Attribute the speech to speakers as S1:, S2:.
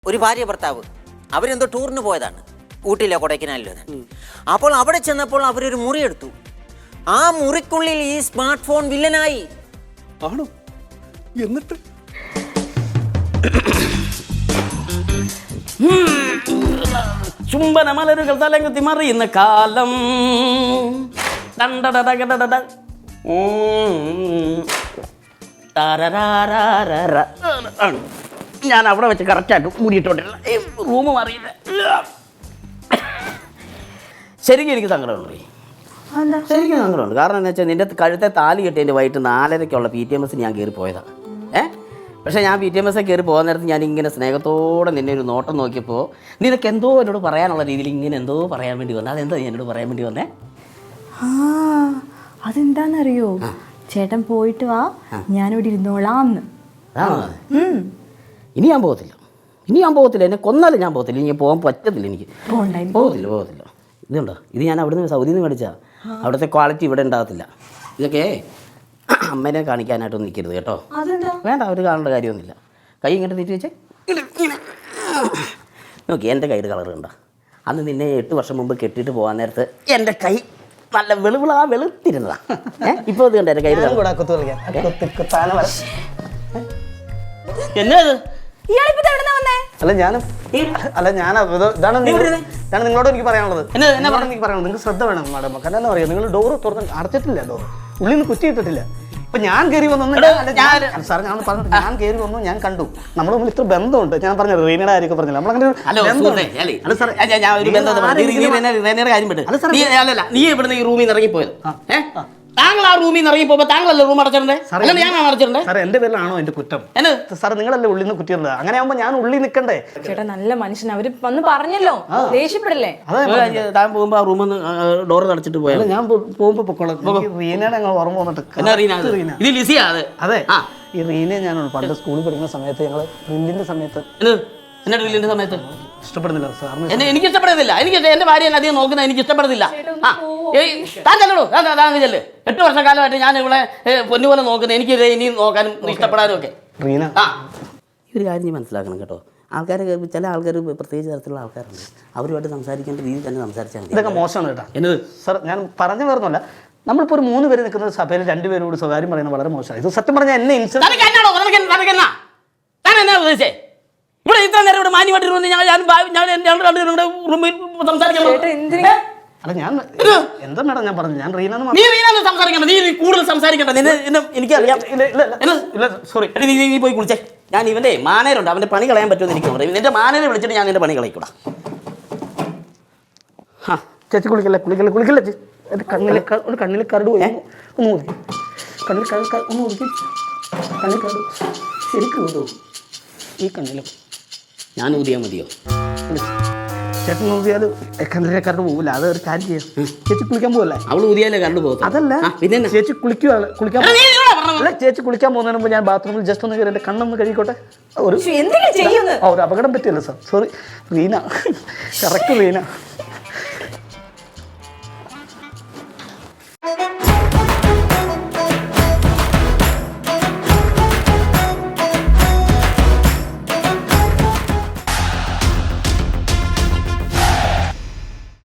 S1: ഒരു ഭാര്യ ഭർത്താവ് അവരെന്തോ ടൂറിന് പോയതാണ്, ഊട്ടിയിലോ കൊടൈക്കനാലിലോ. അപ്പോൾ അവിടെ ചെന്നപ്പോൾ അവരൊരു മുറി എടുത്തു. ആ മുറിക്കുള്ളിൽ ഈ സ്മാർട്ട് ഫോൺ വില്ലനായി.
S2: ആണോ? എന്നിട്ട്
S3: ചുംബന മലരുകൾ തലകുത്തി മറിയുന്ന കാലം. ഞാൻ അവിടെ വെച്ച് കറക്റ്റായിട്ട് മൂടിയിട്ടോണ്ടില്ല, റൂം അറിയില്ല. ശരിക്കും എനിക്ക് സങ്കടമുണ്ട്, ശരിക്കും സങ്കടമുണ്ട്. കാരണം എന്താ വെച്ചാൽ നിന്റെ കഴുത്തെ താലി കെട്ടിയതിൻ്റെ വൈകിട്ട് 4:30 PTMS ഞാൻ കയറി പോയതാണ്. പക്ഷേ ഞാൻ PTMS കയറി പോകുന്ന നേരത്ത് ഞാൻ ഇങ്ങനെ സ്നേഹത്തോടെ നിന്നെ ഒരു നോട്ടം നോക്കിയപ്പോൾ നിനക്ക് എന്തോ എന്നോട് പറയാനുള്ള രീതിയിൽ ഇങ്ങനെ എന്തോ പറയാൻ വേണ്ടി വന്നത്. അതെന്താ എന്നോട് പറയാൻ വേണ്ടി വന്നേ?
S4: അതെന്താന്നറിയോ, ചേട്ടൻ പോയിട്ട് വാ, ഞാനിവിടെ ഇരുന്നോളാന്ന്.
S3: ഇനി ഞാൻ പോകത്തില്ല, എന്നെ കൊന്നാലും ഞാൻ പോകത്തില്ല. ഇനി പോകാൻ പറ്റത്തില്ല, എനിക്ക് പോകത്തില്ല. ഇതുണ്ടോ, ഇത് ഞാൻ അവിടുന്ന് സൗദിയിൽ നിന്ന് മേടിച്ചാൽ അവിടുത്തെ ക്വാളിറ്റി ഇവിടെ ഉണ്ടാകത്തില്ല. ഇതൊക്കെ അമ്മേനെ കാണിക്കാനായിട്ടൊന്നും നിൽക്കരുത് കേട്ടോ. വേണ്ട, അവർ കാണേണ്ട കാര്യമൊന്നുമില്ല. കൈ ഇങ്ങോട്ട് നീട്ടി വെച്ചേ. നോക്കി എൻ്റെ കൈയുടെ കളർ കണ്ടോ? അന്ന് നിന്നെ 8 വർഷം മുമ്പ് കെട്ടിയിട്ട് പോകാൻ നേരത്ത് എൻ്റെ കൈ നല്ല വെളുത്തിരുന്നതാ. ഇപ്പോൾ ഇത് കണ്ടോ എൻ്റെ കൈ? എന്നാ
S2: ഇതാണ് നിങ്ങളോട് എനിക്ക് പറയാനുള്ളത്. നിങ്ങൾക്ക് ശ്രദ്ധ വേണം മാഡം. കാരണം എന്താ പറയുക, നിങ്ങൾ ഡോറ് തുറന്ന് അടച്ചിട്ടില്ല, ഡോറ് ഉള്ളിൽ നിന്ന് കുറ്റിയിട്ടിട്ടില്ല. ഇപ്പൊ ഞാൻ കയറി വന്നു, സാർ ഞാൻ പറഞ്ഞിട്ട് ഞാൻ കയറി വന്നു, ഞാൻ കണ്ടു നമ്മൾ തമ്മിൽ ഇത്ര ബന്ധമുണ്ട്. ഞാൻ പറഞ്ഞു റീനയുടെ കാര്യമൊക്കെ പറഞ്ഞില്ല, നമ്മളങ്ങനെ
S3: നീ ഇവിടുന്ന് ഈ റൂമിൽ നിന്ന് ഇറങ്ങിപ്പോയത്. താങ്കൾ ആ റൂമിൽ നിന്ന് ഇറങ്ങിപ്പോ താങ്കളല്ലേ റൂം അടച്ചിട്ടുണ്ടേ? ഞാൻ അടച്ചിട്ടുണ്ടേ.
S2: സാർ എന്റെ പേരിലാണോ എന്റെ കുറ്റം? സാർ നിങ്ങളല്ലേ ഉള്ളിൽ നിന്ന് കുറ്റിയിട്ടുണ്ട്. അങ്ങനെ ആകുമ്പോ ഞാൻ ഉള്ളിൽ നിൽക്കണ്ടേ?
S4: ചേട്ടാ നല്ല മനുഷ്യൻ, അവര് വന്ന് പറഞ്ഞല്ലോ, ദേഷ്യപ്പെടല്ലേ?
S3: താൻ പോകുമ്പോ ആ റൂമിൽ ഡോർ അടച്ചിട്ട് പോയാൽ
S2: ഞാൻ പോകുമ്പോ പൊക്കോളാം. റീനയുടെ ഞങ്ങൾ ഓർമ്മ വന്നിട്ട്.
S3: അതെ,
S2: ഈ റീനയെ ഞാൻ പണ്ട് സ്കൂളിൽ പഠിക്കുന്ന സമയത്ത് ഞങ്ങൾ ഡ്രില്ലിന്റെ സമയത്ത് ഇഷ്ടപ്പെടുന്നില്ല സാറിന്.
S3: എനിക്ക് ഇഷ്ടപ്പെടുന്നില്ല. എനിക്ക് എന്റെ ഭാര്യ അധികം നോക്കുന്നത് എനിക്ക് ഇഷ്ടപ്പെടുന്നില്ല. താൻ ചെല്ലടോ, ചെല്ല്. 8 വർഷക്കാലമായിട്ട് ഞാൻ ഇവിടെ പൊന്നുപോലെ നോക്കുന്നത്, എനിക്ക് ഇനിയും നോക്കാനും ഇഷ്ടപ്പെടാനും ഒക്കെ.
S2: റീന,
S3: ഈ ഒരു കാര്യം നീ മനസ്സിലാക്കണം കേട്ടോ. ചില ആൾക്കാർ പ്രത്യേകിച്ച് തരത്തിലുള്ള ആൾക്കാരുണ്ട്, അവരുമായിട്ട് സംസാരിക്കേണ്ട രീതിയിൽ തന്നെ സംസാരിച്ചാൽ മതി.
S2: ഇതൊക്കെ മോശമാണ് കേട്ടോ. എന്നത് സാർ ഞാൻ പറഞ്ഞു വരുന്നില്ല. നമ്മളിപ്പോൾ ഒരു 3 പേര് നിൽക്കുന്ന സഭയിൽ 2 പേരോട് സ്വകാര്യം പറയുന്നത് വളരെ മോശമാണ്. ഇത് സത്യം പറഞ്ഞാൽ എന്നെ
S3: ഉദ്ദേശിച്ചേ ഇവിടെ ഇത്ര നേരം ഇവിടെ മാന്യമായിട്ട് റൂമിൽ സംസാരിക്കാൻ.
S2: അല്ല ഞാൻ എന്താ മേഡം ഞാൻ പറഞ്ഞു, ഞാൻ റീന
S3: സംസാരിക്കണ്ട, നീ കൂടുതൽ സംസാരിക്കണ്ട. എനിക്കറിയാം. സോറി, നീ പോയി കുളിച്ചേ. ഞാൻ ഇവന്റെ മാനേരുണ്ട്, അവന്റെ പണി കളയാൻ പറ്റുമെന്ന് എനിക്ക് പറയും. നിന്റെ മാനേരെ വിളിച്ചിട്ട് ഞാൻ നിന്റെ പണി കളയിക്കൂടാ.
S2: ചേച്ചി കുളിക്കല്ലേ ചേച്ചി. എൻ്റെ കണ്ണിൽ കരട് പോയി, ഒന്ന് ഒതുക്കി. കണ്ണിൽ ഒന്ന് ഒതുക്കി. കണ്ണിൽ കരട് ശരിക്കും ഊതും. ഈ കണ്ണിലും
S3: ഞാൻ ഊതിയാൽ മതിയോ?
S2: ചേട്ടൻ ഊതിയാൽ കണ്ണിലെ കരട് പോകില്ല. അത് ഒരു കാര്യം ചെയ്യാം. ചേച്ചി കുളിക്കാൻ പോകല്ലേ?
S3: അവൾ ഊതിയാലേ കരട് പോകും.
S2: അതല്ല, പിന്നെ ചേച്ചി കുളിക്കാൻ ചേച്ചി കുളിക്കാൻ പോകുന്നതിന് മുമ്പ് ഞാൻ ബാത്റൂമിൽ ജസ്റ്റ് ഒന്ന് കയറി എൻ്റെ കണ്ണൊന്ന് കഴുകിക്കോട്ടെ. ഒരു അപകടം പറ്റിയല്ലോ sir. Sorry Reena, correct Reena.